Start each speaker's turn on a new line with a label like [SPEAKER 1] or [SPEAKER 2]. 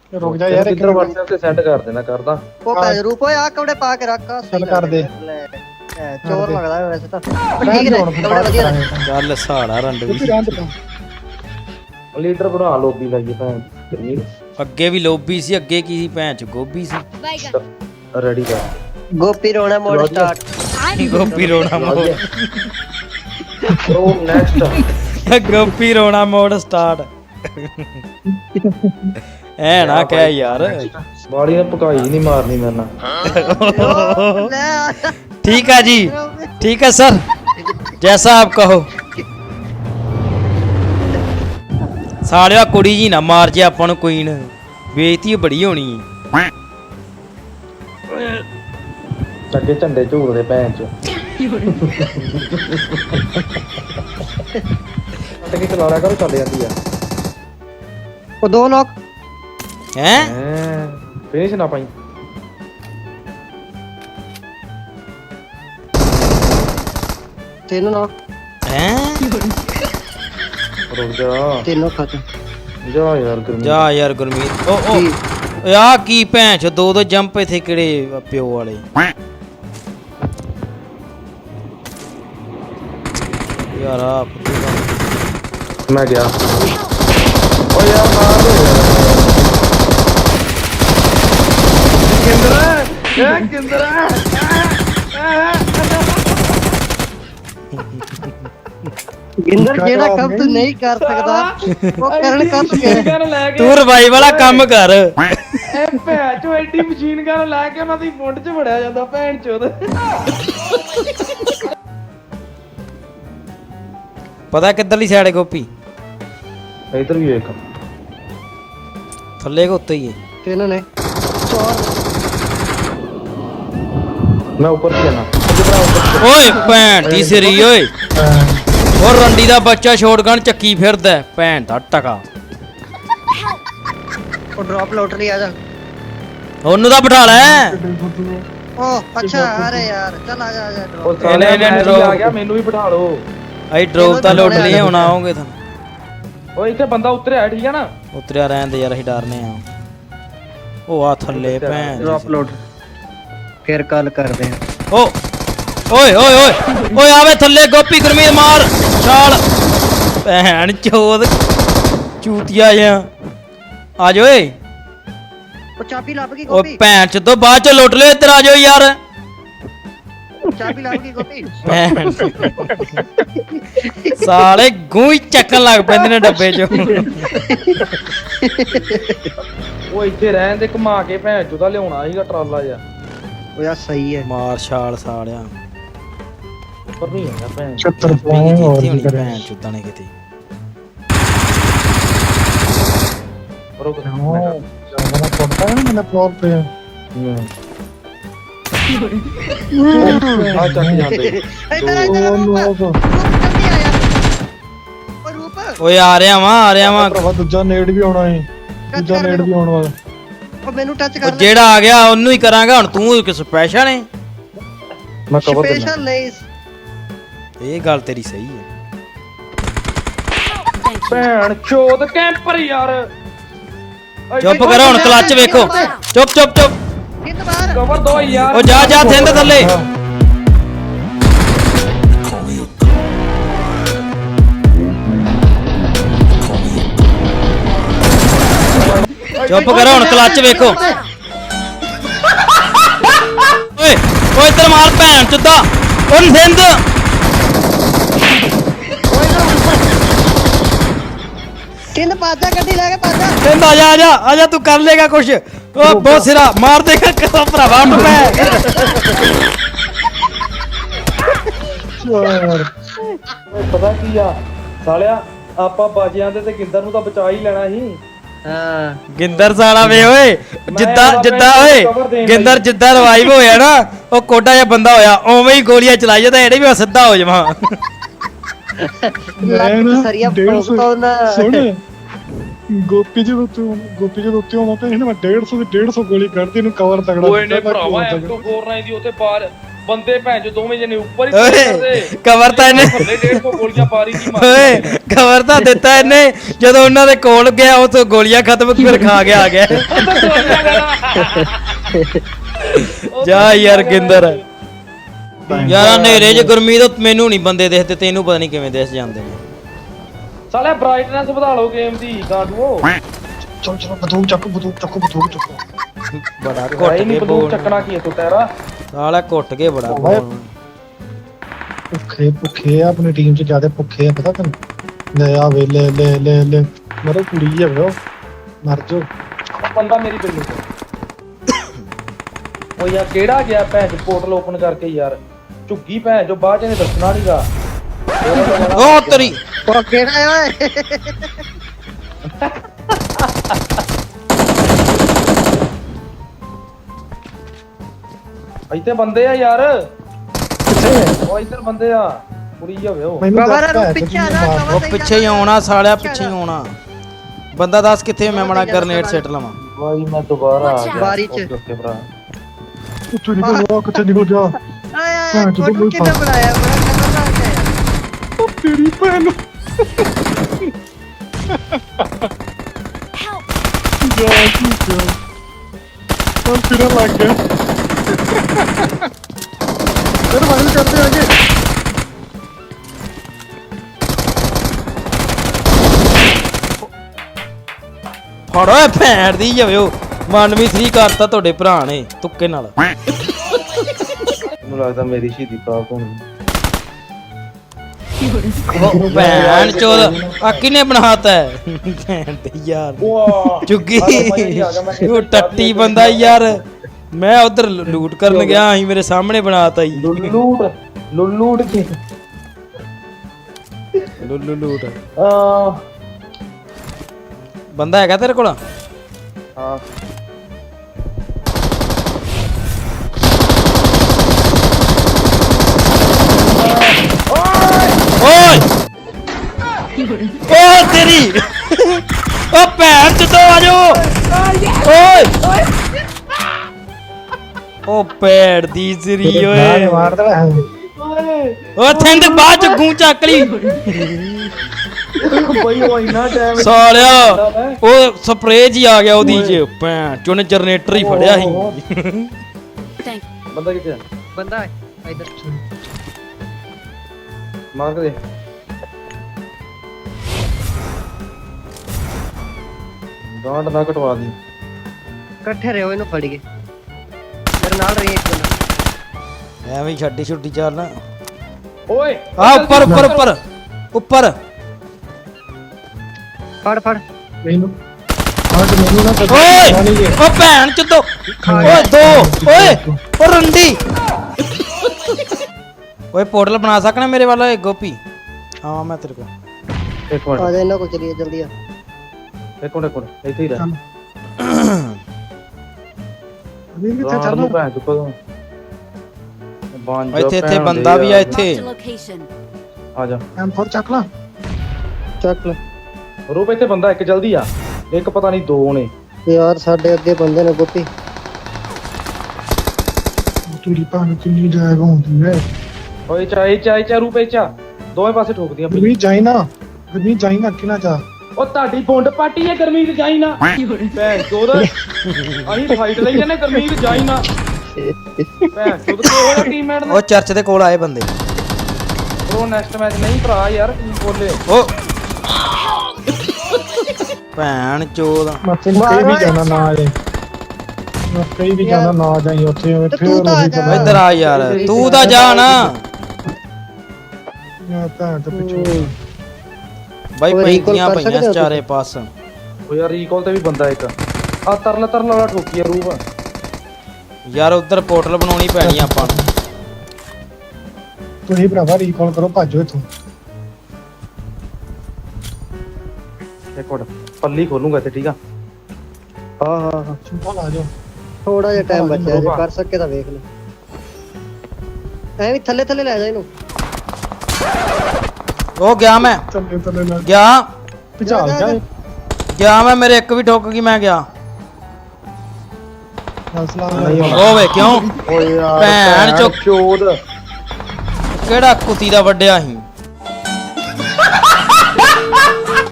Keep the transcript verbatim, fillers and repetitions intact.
[SPEAKER 1] रुक जा यार
[SPEAKER 2] किधर WhatsApp से सेंड कर देना करदा
[SPEAKER 3] ਉਹ ਪੈ ਰੂਪ ਓਏ ਆ ਕਪੜੇ ਪਾ ਕੇ ਰੱਖ ਆ
[SPEAKER 1] ਚੱਲ ਕਰ ਦੇ।
[SPEAKER 3] ਚੋਰ ਲੱਗਦਾ ਵੈਸੇ ਤਾਂ ਠੀਕ ਨੇ ਕਪੜੇ ਵਧੀਆ ਨੇ
[SPEAKER 4] ਚੱਲ ਸਾੜਾ ਰੰਡ ਵੀ
[SPEAKER 1] ਤੂੰ ਰੰਦ ਪਾ
[SPEAKER 2] ਲੀਡਰ ਬਣਾ ਲੋਬੀ ਲਾਈਏ ਭੈਣ ਕਰੀਏ
[SPEAKER 4] ਅੱਗੇ ਵੀ ਲੋਬੀ ਸੀ ਅੱਗੇ ਕੀ ਸੀ ਭੈਣ ਚ ਗੋਭੀ ਸੀ
[SPEAKER 2] ਰੈਡੀ ਕਰ
[SPEAKER 3] ਗੋਪੀ ਰੋਣਾ ਮੋੜ ਸਟਾਰਟ
[SPEAKER 4] ਗੋਪੀ ਰੋਣਾ ਮੋੜ
[SPEAKER 2] ਪ੍ਰੋ ਨੈਕਸਟ
[SPEAKER 4] ਗੋਪੀ ਰੋਣਾ ਮੋੜ ਸਟਾਰਟ ਐ ਨਾ ਕਹਿ ਯਾਰ
[SPEAKER 2] ਬਾੜੀ ਨੇ ਪਕਾਈ ਨਹੀਂ ਮਾਰਨੀ ਮੇਰੇ ਨਾਲ
[SPEAKER 3] ਲੈ
[SPEAKER 4] ठीक है जी ठीक है सर जैसा आप कहो सालिया कुड़ी जी ना मार जे अपन कोई न बेइज्जती बड़ी होनी
[SPEAKER 2] ਅੱਗੇ ਝੰਡੇ ਝੂਲਦੇ ਭੈਣ ਚ ਅੱਗੇ ਚਲਾ ਲਿਆ ਕਰੋ ਚੱਲ ਜਾਂਦੀ ਆ
[SPEAKER 3] ਉਹ ਦੋ ਲੋਕ
[SPEAKER 4] हैं
[SPEAKER 2] ਫਿਨਿਸ਼ ਨਾ ਪਾਈ
[SPEAKER 3] ਤਿੰਨ ਲੋਕ
[SPEAKER 4] हैं
[SPEAKER 2] ਰੁਕ ਜਾ
[SPEAKER 3] ਤਿੰਨੋਂ ਖਤਮ
[SPEAKER 2] ਜਾ ਯਾਰ ਗਰਮੀ
[SPEAKER 4] जा यार गुरमीत ओ ओ आ की भैन चो दो दो जंप थे किड़े प्यो वाले यार आप
[SPEAKER 2] ਮੈਂ ਗਿਆ ਓ ਯਾਰ ਮਾਰ ਦੇ ਕਿੰਦਰਾ ਇਹ ਕਿੰਦਰਾ
[SPEAKER 3] ਗਿੰਦਰ ਜਿਹੜਾ ਕੰਮ ਤੂੰ ਨਹੀਂ ਕਰ ਸਕਦਾ ਉਹ ਕਰਨ ਕੱਟ ਕੇ
[SPEAKER 4] तू रवाई वाला काम कर
[SPEAKER 2] ਇਹ ਭੈਣ ਚੋ ਐਡੀ ਮਸ਼ੀਨ ਗਨ ਲੈ ਕੇ ਉਹਨਾਂ ਦੀ ਮੁੰਡ 'ਚ ਵੜਿਆ ਜਾਂਦਾ ਭੈਣ ਚੋਦ
[SPEAKER 4] पता किधरली साइड है गोपी
[SPEAKER 2] ਇਧਰ ਵੀ ਇੱਕ
[SPEAKER 4] थल्ले को उत्ते ही है
[SPEAKER 3] ਤਿੰਨ ਨੇ ਚੋਰ
[SPEAKER 2] ਮੈਂ ਉੱਪਰ ਤੇ ਜਾਣਾ ਕਿਧਰ ਉੱਪਰ
[SPEAKER 4] ओए भैन दी सिरी ओए और रंडी दा बच्चा शॉटगन ਚੱਕੀ ਫਿਰਦਾ ਹੈ, ਭੈਣ ਦਾ ਟਕਾ
[SPEAKER 3] ਉਹ ਡ੍ਰੌਪ ਲੋਟਰੀ ਆ ਜਾ
[SPEAKER 4] ਉਹਨੂੰ ਤਾਂ ਬਿਠਾ ਲੈ
[SPEAKER 3] ਉਹ ਅੱਛਾ ਅਰੇ ਯਾਰ ਚੱਲ ਆ ਜਾ ਆ ਜਾ drop।
[SPEAKER 2] ਉਹ ਸਾਲੇ
[SPEAKER 4] ਇਹਨੇ- ਇਹਨੇ
[SPEAKER 2] ਮੈਂ ਵੀ
[SPEAKER 4] drop-
[SPEAKER 2] ਆ ਗਿਆ ਮੈਨੂੰ ਵੀ ਬਿਠਾ ਲਓ
[SPEAKER 4] ਆਈ ਡਰੋਪ ਤਾਂ ਲੋਟ ਲਈ ਹੁਣ ਆਓਗੇ ਤੁਹਾਨੂੰ
[SPEAKER 2] ਓਏ ਇੱਥੇ ਬੰਦਾ ਉਤਰਿਆ ਠੀਕ ਹੈ ਨਾ
[SPEAKER 4] ਉਤਰਿਆ ਰਹਿਣ ਦੇ ਯਾਰ ਅਸੀਂ ਡਰਨੇ ਆ ਉਹ ਆ ਥੱਲੇ ਭੈਣ
[SPEAKER 3] ਡ੍ਰੌਪ ਲੋਡ ਫਿਰ ਕੱਲ ਕਰਦੇ ਆ
[SPEAKER 4] ਓ ਓਏ ਓਏ ਓਏ ਓਏ ਆਵੇ ਥੱਲੇ ਗੋਪੀ ਗੁਰਮੀਤ ਮਾਰ ਛਾਲ ਭੈਣ ਚੋਦ ਚੂਤੀਆ ਜਾਂ ਆ ਜਾ ਓਏ
[SPEAKER 3] ਉਹ ਚਾਬੀ ਲੱਭ ਗਈ
[SPEAKER 4] ਓ
[SPEAKER 3] ਗੋਪੀ
[SPEAKER 4] ਭੈਣ ਚ ਤੋਂ ਬਾਅਦ ਚ ਲੁੱਟ ਲਿਓ ਇੱਧਰ ਆ ਜਾਓ ਯਾਰ
[SPEAKER 3] ਚਾਬੀ ਲੱਭ ਗਈ ਗੋਪੀ
[SPEAKER 4] ਭੈਣ ਸਾਲੇ ਗੂੰ ਚੱਕਣ ਲੱਗ ਪੈਂਦੇ ਨੇ ਡੱਬੇ ਚੋਂ
[SPEAKER 2] ਉਹ ਇੱਥੇ ਰਹਿਣ ਦੇ ਘੁਮਾ ਕੇ ਭੈਣ ਚੋ ਦਾ ਲਿਆਉਣਾ ਸੀਗਾ ਟਰਾਲਾ ਜਿਹਾ
[SPEAKER 3] ਉਹ ਯਾਰ ਸਹੀ ਹੈ
[SPEAKER 4] ਮਾਰ ਛਾਲ ਸਾਲਿਆ
[SPEAKER 2] ਉੱਪਰ ਨਹੀਂ ਹੈਗਾ ਭੈਣ
[SPEAKER 1] ਛੱਤਰ
[SPEAKER 4] ਪੀਂਗ
[SPEAKER 1] ਪਾਉਂ ਹੋਰ
[SPEAKER 4] ਕੀਤੀ
[SPEAKER 1] ਕੀ
[SPEAKER 4] ਹੋਣੀ
[SPEAKER 1] ਕਰੇ
[SPEAKER 4] ਭੈਣ ਚੋਦਾਂ ਨੇ ਕਿਤੇ
[SPEAKER 2] ਰੁਕ
[SPEAKER 1] ਉਹ ਜਿਆਦਾ ਪੜਦਾ ਹੈ ਨਾ ਫਲੋਰ ਤੇ
[SPEAKER 2] ਆ ਚੱਕ ਜਾਂਦੇ
[SPEAKER 3] ਇੱਧਰ ਇੱਧਰ
[SPEAKER 1] ਉਹ
[SPEAKER 3] ਰੂਪ
[SPEAKER 1] ਲੋਕ
[SPEAKER 3] ਰੂਪ ਜਲਦੀ ਆ ਯਾਰ ਉਹ ਰੂਪ
[SPEAKER 4] ਓਏ ਆ ਰਿਹਾ ਵਾਂ ਆ ਰਿਹਾ ਵਾਂ
[SPEAKER 1] ਭਰਾਵਾ ਦੂਜਾ ਨੇੜ ਵੀ ਆਉਣਾ ਹੈ ਦੂਜਾ ਨੇੜ ਵੀ ਆਉਣ ਵਾਲਾ
[SPEAKER 3] ਉਹ ਮੈਨੂੰ ਟੱਚ
[SPEAKER 4] ਉਹ
[SPEAKER 3] ਕਰ ਲੈ
[SPEAKER 4] ਜਿਹੜਾ ਆ ਗਿਆ ਉਹਨੂੰ ਹੀ ਕਰਾਂਗਾ ਹੁਣ ਤੂੰ ਕਿ ਸਪੈਸ਼ਲ ਹੈ
[SPEAKER 2] ਮੈਂ ਕਵਰ ਦੇਣਾ
[SPEAKER 3] ਸਪੈਸ਼ਲ ਨਹੀਂ
[SPEAKER 4] ਇਹ ਗੱਲ ਤੇਰੀ ਸਹੀ ਹੈ
[SPEAKER 2] ਭੈਣ ਚੋਦ ਕੈਂਪਰ ਯਾਰ
[SPEAKER 4] ਚੁੱਪ ਕਰੋ ਹੁਣ ਕਲੱਚ ਵੇਖੋ ਚੁੱਪ ਚੁੱਪ ਚੁੱਪ
[SPEAKER 3] ਕਿੰਦ ਬਾਹਰ
[SPEAKER 2] ਕਵਰ ਦੋ ਯਾਰ
[SPEAKER 4] ਉਹ ਜਾ ਜਾ ਥਿੰਦ ਥੱਲੇ ਚੁੱਪ ਕਰੋ ਹੁਣ ਕਲੱਚ ਵੇਖੋ ਓਏ ਓਏ ਇੱਧਰ ਮਾਰ ਭੈਣ ਚੁੱਦਾ ਉਹ ਥਿੰਦ
[SPEAKER 3] ਕਿੰਦ ਪਾਜਾ ਗੱਡੀ ਲੈ ਕੇ ਪਾਜਾ
[SPEAKER 4] ਥਿੰਦ ਆ ਜਾ ਆ ਜਾ ਆ ਜਾ ਤੂੰ ਕਰ ਲੇਗਾ ਕੁਛ ਉਹ ਬਹੁਤ ਸਿਰਾ ਮਾਰ ਦੇਗਾ ਕਦੋਂ ਭਰਾਵਾ ਉੱਠ ਪੈ
[SPEAKER 1] ਯਾਰ
[SPEAKER 2] ਓਏ ਪਤਾ ਕੀ ਆ ਸਾਲਿਆ ਆਪਾਂ ਬਾਜਿਆਂ ਦੇ ਤੇ ਗਿੰਦਰ ਨੂੰ ਤਾਂ ਬਚਾ ਹੀ ਲੈਣਾ ਸੀ
[SPEAKER 3] ਹਾਂ
[SPEAKER 4] ਗਿੰਦਰ ਸਾਲਾ ਵੇ ਓਏ ਜਿੱਦਾਂ ਜਿੱਦਾਂ ਓਏ ਗਿੰਦਰ ਜਿੱਦਾਂ ਰਿਵਾਈਵ ਹੋਇਆ ਨਾ ਉਹ ਕੋਡਾ ਜਿਹਾ ਬੰਦਾ ਹੋਇਆ ਉਵੇਂ ਹੀ ਗੋਲੀਆਂ ਚਲਾਈ ਜਾਂਦਾ ਇਹਨੇ ਵੀ ਸਿੱਧਾ ਹੋ ਜਾਵਾਂ
[SPEAKER 1] ਮੈਂ ਨਾ
[SPEAKER 3] ਸਰੀਆ
[SPEAKER 1] ਡੇਢ ਸੌ
[SPEAKER 3] ਪਾਉਣਾ
[SPEAKER 1] ਸੁਣ ਗੋਪੀ ਜੀ ਤੂੰ ਗੋਪੀ ਜੀ ਉੱਤੇ ਆਉਂਦਾ ਤੇ ਇਹਨੇ ਮੈਂ ਡੇਢ ਸੌ ਦੀ ਡੇਢ ਸੌ ਗੋਲੀ ਕੱਢਦੀ ਇਹਨੂੰ ਕਵਰ ਤਗੜਾ
[SPEAKER 2] ਓਏ ਨੇ ਭਰਾਵਾ ਐਮ ਟੂ ਫੋਰ ਨਾਈਨ ਦੀ ਉੱਥੇ ਬਾਹਰ ਬੰਦੇ ਭੈਣ ਜੋ ਦੋਵੇਂ ਜਣੇ ਉੱਪਰ ਹੀ
[SPEAKER 4] ਓਏ
[SPEAKER 2] ਕਰਦੇ
[SPEAKER 4] ਕਵਰ ਤਾਂ ਇਹਨੇ
[SPEAKER 2] ਥੱਲੇ ਡੇਢ ਸੌ ਗੋਲੀਆਂ ਪਾਰੀ ਦੀ ਮਾਰੀ
[SPEAKER 4] ਓਏ ਕਵਰ ਤਾਂ ਦਿੱਤਾ ਇਹਨੇ ਜਦੋਂ ਉਹਨਾਂ ਦੇ ਕੋਲ ਗਿਆ ਉਹ ਤੋਂ ਗੋਲੀਆਂ ਖਤਮ ਫਿਰ ਖਾ ਕੇ ਆ ਗਿਆ ਜਾ ਯਾਰ ਗਿੰਦਰ ਯਾਰ ਹਨੇਰੇ 'ਚ ਗੁਰਮੀਤ ਮੈਨੂੰ ਨਹੀਂ ਬੰਦੇ ਦੇਖਦੇ ਤੈਨੂੰ ਪਤਾ ਨਹੀਂ ਕਿਵੇਂ ਦਿਸ ਜਾਂਦੇ ਨੇ
[SPEAKER 2] ਸਾਲਿਆ ਬ੍ਰਾਈਟਨੈਸ ਵਧਾ ਲਓ ਗੇਮ ਦੀ ਗਾਂਡੂਓ
[SPEAKER 1] ਚਲ ਚਲ ਬੰਦੂਕ ਚੱਕ ਬੰਦੂਕ ਚੱਕੋ ਬੰਦੂਕ ਚੱਕੋ
[SPEAKER 4] ਬੜਾ
[SPEAKER 2] ਕੋਈ
[SPEAKER 4] ਘੁੱਟ
[SPEAKER 2] ਨਹੀਂ
[SPEAKER 4] ਕੇ
[SPEAKER 2] ਬੰਦੂਕ
[SPEAKER 4] ਬੋਲ
[SPEAKER 2] ਚੱਕਣਾ ਕੀ ਹੈ ਤੂੰ ਤੇਰਾ
[SPEAKER 4] ਸਾਲਾ ਘੁੱਟ ਕੇ ਬੜਾ
[SPEAKER 1] ਓਏ।
[SPEAKER 4] ਬੋਲ
[SPEAKER 1] ਭੁੱਖੇ ਭੁੱਖੇ ਆ ਆਪਣੀ ਟੀਮ 'ਚ ਜਿਆਦਾ ਭੁੱਖੇ ਆ ਪਤਾ ਤੈਨੂੰ ਲੈ ਆ ਵੇ ਲੈ ਲੈ ਲੈ ਲੈ ਮਰੋ ਕੁੜੀ ਆ ਵੇ ਮਰ ਜੋ
[SPEAKER 2] ਬੰਦਾ ਮੇਰੀ ਬਿੱਲੂ ਉਹ ਯਾਰ ਕਿਹੜਾ ਗਿਆ ਭੈਣ ਚ ਪੋਰਟਲ ਓਪਨ ਕਰਕੇ ਯਾਰ ਝੁੱਗੀ ਭੈਣ ਜੋ ਬਾਅਦ ਚ ਇਹਨੇ ਦੱਸਣਾ ਨਹੀਂਗਾ
[SPEAKER 4] ਉਹ ਤੇਰੀ
[SPEAKER 3] ਉਹ ਕਿਹੜਾ ਓਏ
[SPEAKER 2] ਇੱਥੇ ਬੰਦੇ ਆ ਯਾਰ
[SPEAKER 1] ਕਿੱਥੇ
[SPEAKER 2] ਉਹ ਇੱਧਰ ਬੰਦੇ ਆ ਕੁੜੀ ਹੋਵੇ ਉਹ
[SPEAKER 1] ਮੈਨੂੰ
[SPEAKER 3] ਕਵਰ
[SPEAKER 1] ਦੱਸ
[SPEAKER 3] ਨੂੰ
[SPEAKER 1] ਭੈਣ
[SPEAKER 3] ਪਿੱਛੇ
[SPEAKER 1] ਚੋਦ
[SPEAKER 3] ਨਾ,
[SPEAKER 1] ਮਾਰ।
[SPEAKER 3] ਕਵਰ
[SPEAKER 4] ਉਹ ਪਿੱਛੇ ਹੀ ਆਉਣਾ ਸਾਲਿਆ ਪਿੱਛੇ ਹੀ ਆਉਣਾ ਬੰਦਾ ਦੱਸ ਕਿੱਥੇ ਮੈਂ ਮਣਾ ਗਰਨੇਡ ਸੈੱਟ ਲਵਾਂ
[SPEAKER 2] ਬਾਈ ਮੈਂ ਦੁਬਾਰਾ ਆ ਗਿਆ
[SPEAKER 3] ਬਾਰੀ ਚ।
[SPEAKER 2] ਓਕੇ ਓਕੇ ਭਰਾ
[SPEAKER 1] ਉੱਥੇ ਨਿਕਲ ਜਾ ਕਿੱਥੇ ਨਿਕਲ ਜਾ
[SPEAKER 3] ਆਏ
[SPEAKER 1] ਹਾਂ,
[SPEAKER 3] ਆਏ
[SPEAKER 1] ਜਦੋਂ
[SPEAKER 3] ਕੋਟ
[SPEAKER 1] ਕੋਈ
[SPEAKER 3] ਕਿੱਦਾਂ
[SPEAKER 1] ਫਸ-
[SPEAKER 3] ਬਣਾਇਆ ਬੜਾ ਖਤਰਨਾਕ ਹੈ
[SPEAKER 1] ਉਹ ਤੇਰੀ ਭੈਣ ਜਾ ਕੀ ਜਾ ਹੁਣ ਤੇਰਾ ਲੱਗ ਗਿਆ ਫਿਰ ਵਾਇਲ ਕਰਦੇ ਆਗੇ
[SPEAKER 4] ਫੜ ਓਏ ਭੈਣ ਦੀ ਜਾਵੇ ਉਹ ਵਨ ਵੀ ਥ੍ਰੀ ਕਰਤਾ ਤੁਹਾਡੇ ਭਰਾ ਨੇ ਤੁੱਕੇ ਨਾਲ
[SPEAKER 2] ਮੈਨੂੰ ਲੱਗਦਾ ਮੇਰੀ ਸ਼ਹੀਦੀ ਪ੍ਰਾਪਤ ਹੋਣੀ
[SPEAKER 4] ਉਹ ਭੈਣ ਚੋਦ ਆ ਕਿਨੇ ਬਣਾਤਾ ਹੈ ਭੈਣ ਦੇ ਯਾਰ
[SPEAKER 2] ਵਾਹ
[SPEAKER 4] ਚੁੱਗੀ
[SPEAKER 2] ਆ ਗਿਆ, ਮੈਂ
[SPEAKER 4] ਉਹ ਟੱਟੀ ਬੰਦਾ ਯਾਰ ਮੈਂ ਉਧਰ ਲੂਟ ਕਰਨ ਗਿਆ ਸੀ ਮੇਰੇ ਸਾਹਮਣੇ ਬਣਾਤਾ ਹੀ
[SPEAKER 2] ਲੁੱਲੂੜ ਲੁੱਲੂੜ ਕੇ
[SPEAKER 4] ਲੁੱਲੂ ਲੂਟ
[SPEAKER 2] ਆ
[SPEAKER 4] ਬੰਦਾ ਹੈਗਾ ਤੇਰੇ ਕੋਲ
[SPEAKER 2] ਹਾਂ
[SPEAKER 4] ਓਏ ਓ ਤੇਰੀ ਓ ਭੈਣ ਚੋਦੋ ਆ ਜਾਓ ਓਏ ਓ ਭੈਣ ਦੀ ਸਰੀ ਓਏ
[SPEAKER 1] ਮਾਰ ਦੇਣਾ
[SPEAKER 4] ਓ ਥਿੰਦ ਬਾਅਦ ਚ ਗੂੰ ਚੱਕ ਲਈ
[SPEAKER 2] ਬਈ ਉਹ ਇੰਨਾ ਟਾਈਮ
[SPEAKER 4] ਸਾਲਿਆ ਉਹ ਸਪਰੇਅ ਜੀ ਆ ਗਿਆ ਉਹਦੀ ਚ ਭੈਣ ਚੋਨੇ ਜਨਰੇਟਰ ਹੀ ਫੜਿਆ ਸੀ
[SPEAKER 2] ਬੰਦਾ ਕਿੱਥੇ ਆ
[SPEAKER 3] ਬੰਦਾ ਹੈ ਇਧਰ
[SPEAKER 2] ਮਾਰ ਕੇ ਦੇ ਗਾਂਡ ਨਾ ਕਟਵਾ ਦੀ
[SPEAKER 3] ਇਕੱਠੇ ਰਹੋ ਇਹਨੂੰ ਫੜ ਕੇ ਮੇਰੇ ਨਾਲ ਰਹੀ ਇੱਕ ਬੰਦਾ
[SPEAKER 4] ਐਵੇਂ ਹੀ ਛੱਡੀ ਛੁੱਟੀ ਚੱਲ
[SPEAKER 2] ਓਏ
[SPEAKER 4] ਆ ਉੱਪਰ ਉੱਪਰ ਉੱਪਰ ਉੱਪਰ
[SPEAKER 3] ਫੜ ਫੜ
[SPEAKER 1] ਮੈਨੂੰ ਆਜ ਮੈਨੂੰ ਨਾ ਕਦੇ
[SPEAKER 4] ਓਏ
[SPEAKER 1] ਪਤਾ ਨਹੀਂ
[SPEAKER 4] ਓ ਭੈਣ ਚੋਦੋ ਓਏ ਦੋ ਓਏ ਓ ਰੰਡੀ ਓਏ ਪੋਰਟਲ ਬਣਾ ਸਕਣਾ ਮੇਰੇ ਵਾਲਾ ਇਹ ਗੋਪੀ ਹਾਂ ਮੈਂ ਤੇਰੇ ਕੋਲ
[SPEAKER 2] ਇੱਕ
[SPEAKER 3] ਆ
[SPEAKER 2] ਮਿੰਟ
[SPEAKER 3] ਜਾ ਇਹਨਾਂ ਕੋਲ ਚਲੀਏ ਜਲਦੀ ਆ
[SPEAKER 2] ਇੱਕ ਮਿੰਟ ਇੱਕ ਮਿੰਟ ਇੱਥੇ ਹੀ ਰਹਿ
[SPEAKER 1] ਅਭੀ ਕਿੱਥੇ
[SPEAKER 2] ਗਾਂਡ
[SPEAKER 1] ਚੱਲ
[SPEAKER 2] ਨੂੰ ਭੈਣ ਚੁੱਕੋ ਤੂੰ ਬਾਂਝ
[SPEAKER 4] ਇੱਥੇ ਇੱਥੇ ਬੰਦਾ ਵੀ ਆ ਇੱਥੇ
[SPEAKER 5] Marked a location.
[SPEAKER 2] ਆ ਜਾ
[SPEAKER 1] ਐਮ ਫੋਰ ਚੱਕ ਲਾ
[SPEAKER 3] ਚੱਕ ਲੈ
[SPEAKER 2] ਰੂਪ ਇੱਥੇ ਬੰਦਾ ਇੱਕ ਜਲਦੀ ਆ ਇੱਕ ਪਤਾ ਨਹੀਂ ਦੋ ਨੇ
[SPEAKER 3] ਯਾਰ ਸਾਡੇ ਅੱਗੇ ਬੰਦੇ ਨੇ ਗੋਪੀ
[SPEAKER 1] ਤੇਰੀ ਭਾਣ ਕਿੰਨੀ ਜਾਇਗ ਹੁੰਦੀ ਹੈ
[SPEAKER 2] ਓਏ ਚਾਈ ਚਾਈ ਚਾ ਰੂਪੇ ਚਾ ਦੋਵੇਂ ਪਾਸੇ ਠੋਕਦੀਆਂ
[SPEAKER 1] ਗਰਮੀ ਜਾਈ ਨਾ ਗਰਮੀ ਜਾਈ ਨਾ ਕਿਨਾ ਜਾ
[SPEAKER 2] ਉਹ ਤੁਹਾਡੀ ਬੁੰਡ ਪਾਟੀ ਹੈ ਗਰਮੀਤ ਜਾਈ ਨਾ ਭੈਣ ਚੋਦ ਅਸੀਂ ਫਾਈਟ ਲਈ ਜਾਂਦੇ ਗਰਮੀਤ ਜਾਈ ਨਾ ਭੈਣ ਚੋਦ ਕੋਲ ਟੀਮਮੇਟ ਨੇ
[SPEAKER 4] ਉਹ ਚਰਚ ਦੇ ਕੋਲ ਆਏ ਬੰਦੇ
[SPEAKER 2] ਬ్రో ਨੈਕਸਟ ਮੈਚ ਨਹੀਂ ਭਰਾ ਯਾਰ ਕੀ ਬੋਲੇ
[SPEAKER 4] ਓ ਭੈਣ ਚੋਦ
[SPEAKER 1] ਮੈਂ ਤੈਨੂੰ ਕਹੀ ਵੀ ਜਾਣਾ ਨਾ ਆਏ ਮੈਂ ਕਹੀ ਵੀ ਜਾਣਾ ਨਾ ਜਾਈ ਉੱਥੇ ਹੋਵੇ
[SPEAKER 3] ਤੇ
[SPEAKER 1] ਫਿਰ
[SPEAKER 3] ਤੂੰ ਤਾਂ
[SPEAKER 1] ਉਹੀ
[SPEAKER 3] ਆ ਜਾ।
[SPEAKER 1] ਗੱਲਾਂ।
[SPEAKER 4] ਇੱਧਰ ਆ ਯਾਰ ਤੂੰ ਤਾਂ ਜਾ ਨਾ
[SPEAKER 1] ਮੈਂ ਭੈਣ ਤੇ ਪਿੱਛੇ
[SPEAKER 4] ਬਾਈ
[SPEAKER 3] ਉਹ recall
[SPEAKER 4] ਪੈਂਦੀਆਂ
[SPEAKER 3] ਕਰ
[SPEAKER 4] ਪਈਆਂ
[SPEAKER 3] ਸਕਦੇ ਹੋ
[SPEAKER 4] ਚਾਰੇ ਪਾਸ
[SPEAKER 2] ਉਹ ਯਾਰ ਰੀਕਾਲ ਤੇ ਵੀ ਬੰਦਾ ਇੱਕ ਆ ਤਰਲ ਤਰਲ ਵਾਲਾ ਠੋਕੀ ਆ ਰੂਪ
[SPEAKER 4] ਯਾਰ ਉਧਰ ਪੋਰਟਲ ਬਣਾਉਣੀ ਪੈਣੀ ਆਪਾਂ ਨੂੰ
[SPEAKER 1] ਤੁਸੀਂ ਭਰਾਵਾ ਰੀਕਾਲ ਕਰੋ ਭੱਜੋ ਇੱਥੋਂ
[SPEAKER 2] ਇੱਕ ਮਿੰਟ ਪੱਲੀ ਖੋਲੂੰਗਾ ਇੱਥੇ ਠੀਕ ਆ
[SPEAKER 3] ਹਾਂ ਹਾਂ ਹਾਂ
[SPEAKER 1] ਸਿੰਪਲ ਆ ਜਾਓ
[SPEAKER 3] ਥੋੜਾ ਜਿਹਾ ਟਾਈਮ ਬਚਿਆ ਜੇ ਕਰ ਸਕੇ ਤਾਂ ਵੇਖ ਲੈ ਐਵੇਂ ਥੱਲੇ ਥੱਲੇ ਲੈ ਜਾ ਇਹਨੂੰ
[SPEAKER 4] ਉਹ ਗਿਆ ਮੈਂ
[SPEAKER 1] ਚੱਲੇ ਚੱਲੇ ਲੱਗ
[SPEAKER 4] ਗਿਆ
[SPEAKER 1] ਪਿਛਾਲ ਜਾ
[SPEAKER 4] ਗਿਆ ਮੈਂ ਮੇਰੇ ਇੱਕ ਵੀ ਠੋਕ ਗਈ ਮੈਂ ਗਿਆ
[SPEAKER 1] ਅਸਲਾਮ
[SPEAKER 2] ਨਹੀਂ ਹੋਣਾ।
[SPEAKER 4] ਓਏ ਕਿਉਂ
[SPEAKER 2] ਓਏ ਯਾਰ
[SPEAKER 4] ਭੈਣ ਚੋ-
[SPEAKER 2] ਚੋਦ
[SPEAKER 4] ਕਿਹੜਾ ਕੁੱਤੀ ਦਾ ਵੱਡਿਆ ਸੀ